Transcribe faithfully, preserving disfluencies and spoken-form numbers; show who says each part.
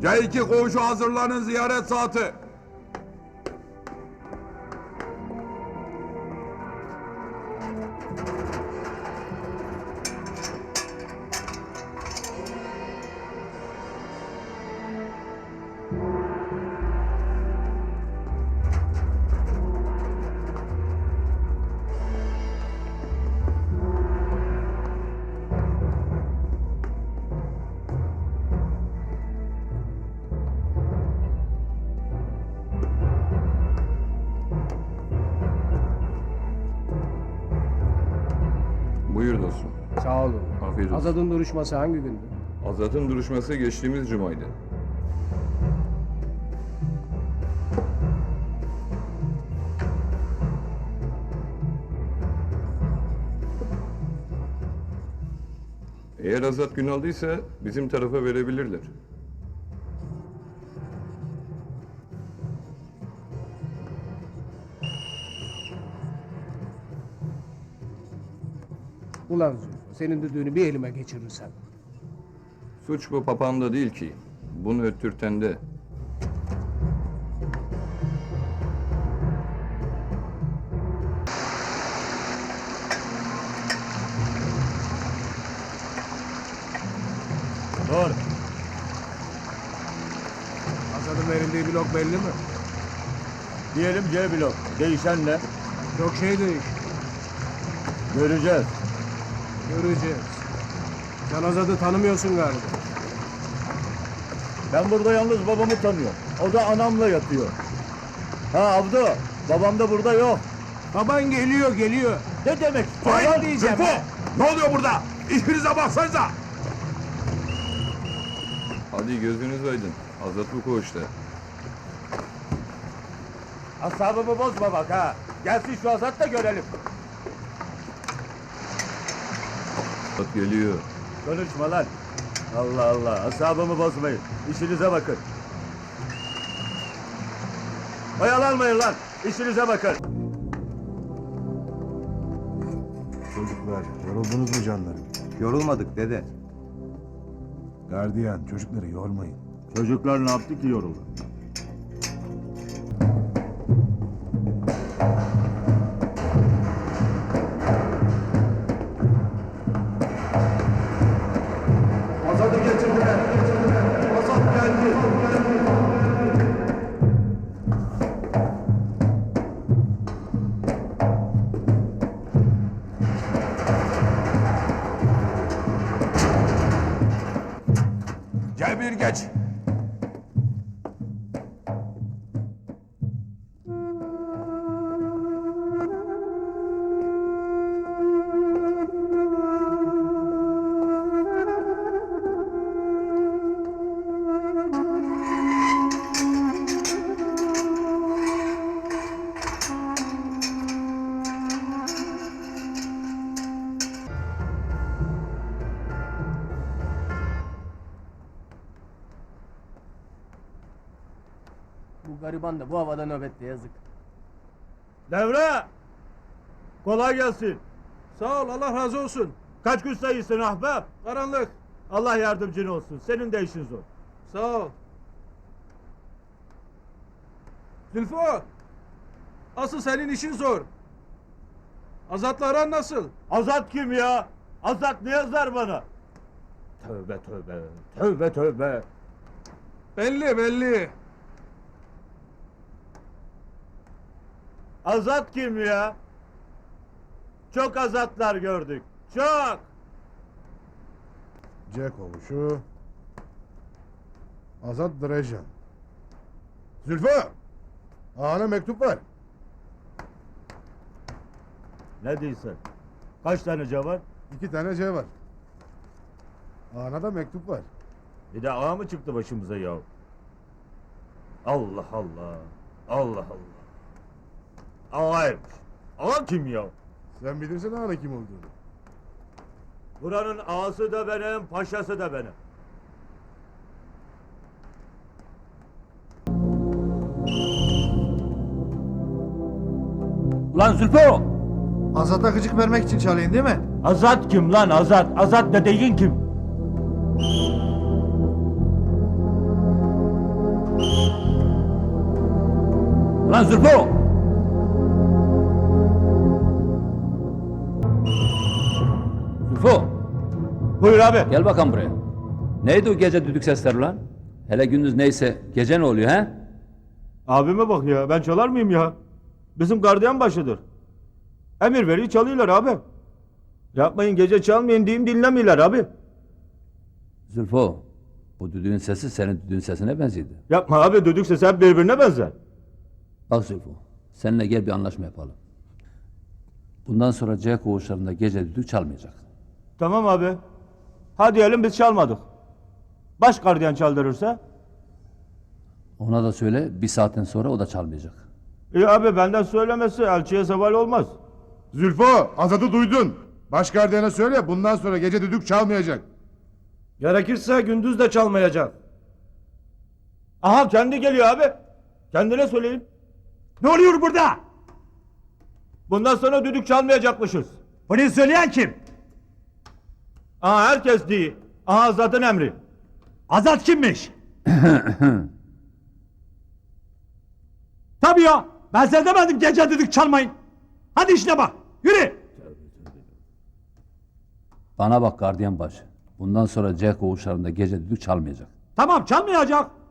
Speaker 1: C iki koğuşu hazırlanın, ziyaret saati.
Speaker 2: Buyur dostum.
Speaker 3: Sağ olun.
Speaker 2: Afiyet olsun.
Speaker 3: Azad'ın duruşması hangi gündü?
Speaker 2: Azat'ın duruşması geçtiğimiz cumaydı. Eğer Azat gün aldıysa bizim tarafa verebilirler.
Speaker 3: Ulan Zülfü, senin düdüğünü bir elime geçirirsem.
Speaker 2: Suç bu papağanda değil ki. Bunu öttürten de.
Speaker 4: Dur.
Speaker 3: Azad'ın verildiği blok belli mi?
Speaker 4: Diyelim C blok. Değişen ne?
Speaker 3: Çok şey değiş.
Speaker 4: Göreceğiz.
Speaker 3: Göreceğiz. Sen Azad'ı tanımıyorsun galiba.
Speaker 4: Ben burada yalnız babamı tanıyorum. O da anamla yatıyor. Ha Abdu, babam da burada yok.
Speaker 3: Baban geliyor, geliyor.
Speaker 4: Ne demek?
Speaker 1: Vay
Speaker 4: Lan
Speaker 3: diyeceğim.
Speaker 1: Zülfü! Ne oluyor burada? İşinize baksanıza!
Speaker 2: Hadi gözünüz aydın. Azat bu koğuşta.
Speaker 4: Asabımı bozma bak ha. Gelsin şu Azat da görelim.
Speaker 2: Azat geliyor.
Speaker 4: Konuşma lan. Allah Allah, asabımı bozmayın. İşinize bakın. Oyalanmayın lan. İşinize bakın.
Speaker 5: Çocuklar, yoruldunuz mu canlarım?
Speaker 6: Yorulmadık dede.
Speaker 5: Gardiyan, çocukları yormayın.
Speaker 4: Çocuklar ne yaptı ki yoruldu?
Speaker 1: Azat'ı getirdiler. Azat geldi. C bir geç.
Speaker 3: Bu gariban da bu havada nöbette yazık.
Speaker 4: Devre! Kolay gelsin.
Speaker 3: Sağ ol, Allah razı olsun.
Speaker 4: Kaç gün sayısın ahbap?
Speaker 3: Karanlık.
Speaker 4: Allah yardımcın olsun. Senin de işin zor.
Speaker 3: Sağ ol. Zülfü, asıl senin işin zor. Azat'la aran nasıl?
Speaker 4: Azat kim ya? Azat ne yazar bana? Tövbe tövbe. Tövbe tövbe.
Speaker 3: Belli, belli.
Speaker 4: Azat kim ya? Çok azatlar gördük. Çok.
Speaker 5: C kovuşu. Azat Drejan. Zülfü! Ağana mektup var.
Speaker 4: Ne diyorsun? Kaç tane C var?
Speaker 5: İki tane C var. Ağana da mektup var.
Speaker 4: Bir de ağa mı çıktı başımıza ya? Allah Allah. Allah Allah. Ağaymış. Ağa kim ya?
Speaker 5: Sen bilirsin ağana kim olduğunu.
Speaker 4: Buranın ağası da benim, paşası da benim.
Speaker 7: Ulan Zülfü!
Speaker 6: Azat'a gıcık vermek için çalayım değil mi?
Speaker 4: Azat kim lan Azat? Azat dediğin kim?
Speaker 7: Lan Zülfü! Zülfü!
Speaker 4: Buyur abi.
Speaker 7: Gel bakalım buraya. Neydi o gece düdük sesleri lan? Hele gündüz neyse gece ne oluyor he?
Speaker 4: Abime bak ya, ben çalar mıyım ya? Bizim gardiyan başıdır. Emir veriyor, çalıyorlar abi. Yapmayın, gece çalmayın diyeyim, dinlemiyorlar abi.
Speaker 7: Zülfü, bu düdüğün sesi senin düdüğün sesine benzedi.
Speaker 4: Yapma abi, düdük sesi hep birbirine benzer.
Speaker 7: Bak Zülfü, seninle gel bir anlaşma yapalım. Bundan sonra C koğuşlarında gece düdük çalmayacak.
Speaker 4: Tamam abi. Ha diyelim biz çalmadık. Baş gardiyan çaldırırsa?
Speaker 7: Ona da söyle bir saatten sonra o da çalmayacak.
Speaker 4: İyi abi, benden söylemesi elçiye zeval olmaz.
Speaker 1: Zülfo, Azat'ı duydun. Baş gardiyana söyle bundan sonra gece düdük çalmayacak.
Speaker 3: Gerekirse gündüz de çalmayacak.
Speaker 4: Aha, kendi geliyor abi. Kendine söyleyin.
Speaker 8: Ne oluyor burada?
Speaker 4: Bundan sonra düdük çalmayacakmışız.
Speaker 8: Bunu söyleyen kim?
Speaker 4: Aha, herkes değil. Aha, zaten emri.
Speaker 8: Azat kimmiş? Tabii ya. Ben size demedim gece düdük çalmayın. Hadi işine bak. Yürü.
Speaker 7: Bana bak gardiyan başı. Bundan sonra C koğuşlarında gece düdük çalmayacak.
Speaker 8: Tamam çalmayacak.